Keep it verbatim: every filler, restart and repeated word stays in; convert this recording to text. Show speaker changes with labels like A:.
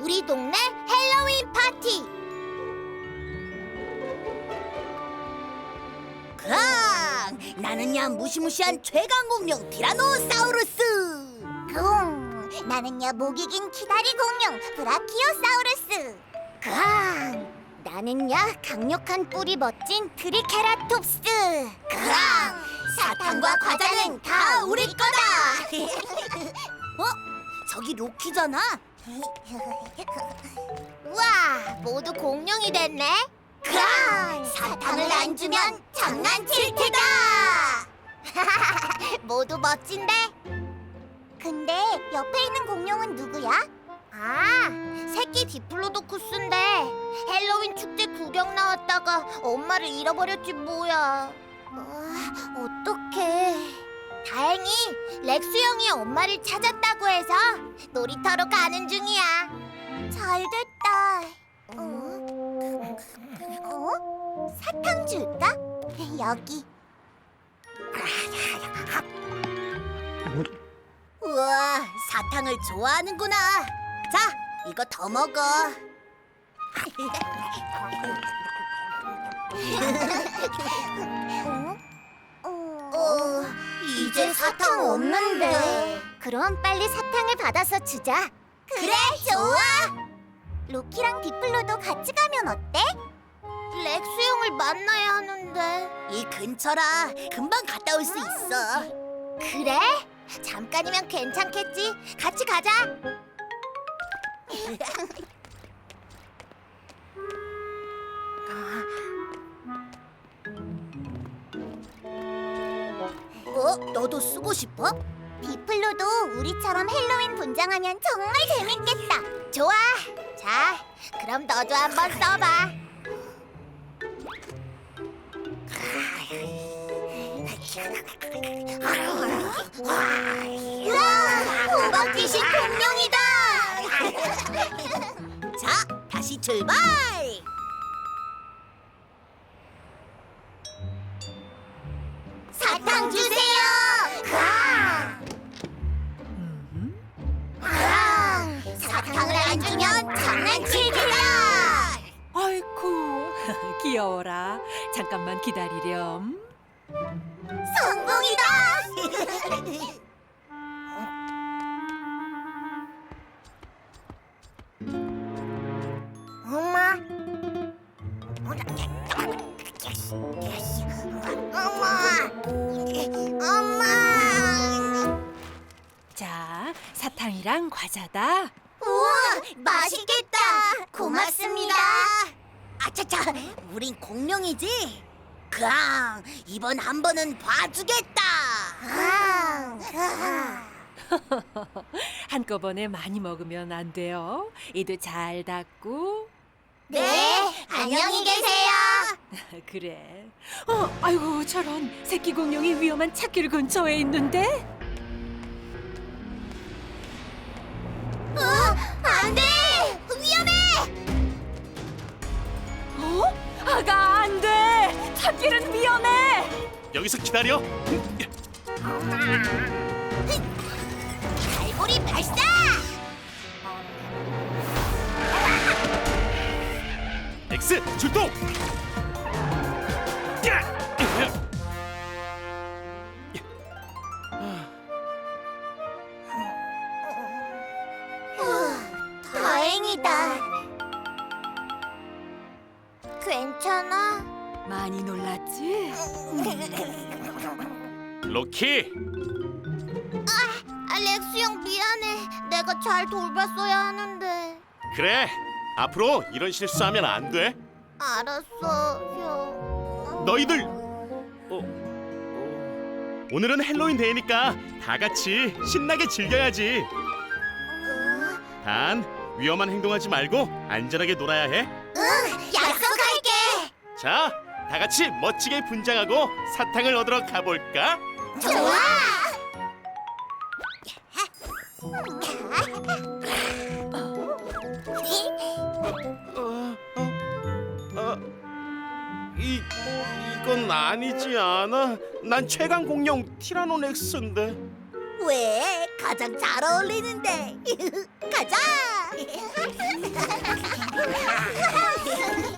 A: 우리 동네 헬로윈 파티.
B: 강! 나는야 무시무시한 최강공룡 티라노사우루스.
A: 쿵! 나는야 목이 긴 기다리 공룡 브라키오사우루스. 강! 나는야 강력한 뿔이 멋진 트리케라톱스. 강!
B: 사탕과 과자는 다 우리 거다. 어? 저기 로키잖아.
A: 우와, 모두 공룡이 됐네. 강! 사탕을 안 주면 장난칠 테다. 모두 멋진데? 근데 옆에 있는 공룡은 누구야? 아, 새끼 디플로도쿠스인데 헬로윈 축제 구경 나왔다가 엄마를 잃어버렸지 뭐야. 어, 어떡해. 다행히 렉스 형이 엄마를 찾았다고 해서 놀이터로 가는 중이야. 잘됐다. 어? 어? 사탕 줄까? 여기.
B: 우와, 사탕을 좋아하는구나. 자, 이거 더 먹어.
A: 어? 어, 이제 사탕 없는데. 그럼 빨리 사탕을 받아서 주자. 그래, 좋아. 로키랑 디플로도 같이 가면 어때? 렉스 형을 만나야 하는데.
B: 이 근처라 금방 갔다 올 수 있어.
A: 그래? 잠깐이면 괜찮겠지. 같이 가자.
B: 어? 너도 쓰고 싶어?
A: 디플로도 우리처럼 헬로윈 분장하면 정말 재밌겠다. 좋아. 자, 그럼 너도 한번 써봐. 우와, 호박 귀신 공룡이다.
B: 자, 다시 출발!
A: 사탕 주세요. 강! 강! 사탕을 안 주면 장난칠 테다.
C: 아이쿠 귀여워라. 잠깐만 기다리렴.
A: 성공이다. 엄마. 엄마. 엄마.
C: 자, 사탕이랑 과자다.
A: 우와, 맛있겠다. 고맙습니다.
B: 아차차, 우린 공룡이지? 강, 이번 한 번은 봐주겠다.
A: 강, 강.
C: 한꺼번에 많이 먹으면 안 돼요. 이도 잘 닫고.
A: 네, 안녕히 계세요.
C: 그래. 어, 아이고 저런 새끼 공룡이 위험한 찻길 근처에 있는데.
A: 어, 안 돼! 위험해!
C: 어? 아가 안 돼. 찻길은 위험해.
D: 여기서 기다려.
A: 갈고리 발사!
D: 엑스 출동. 야!
A: 다행이다. 괜찮아?
C: 많이 놀랐지?
D: 로키,
A: 알렉스 형 미안해. 내가 잘 돌봤어야 하는데.
D: 그래. 앞으로 이런 실수하면 안 돼.
A: 알았어, 형.
D: 너희들. 어, 어. 오늘은 헬로윈 데이니까 다 같이 신나게 즐겨야지. 단 위험한 행동하지 말고 안전하게 놀아야 해.
A: 응, 약속할게.
D: 자, 다 같이 멋지게 분장하고 사탕을 얻으러 가볼까?
A: 좋아.
D: 어, 어, 어, 이 이건 아니지 않아? 난 최강 공룡 티라노넥스인데.
B: 왜? 가장 잘 어울리는데. 가자!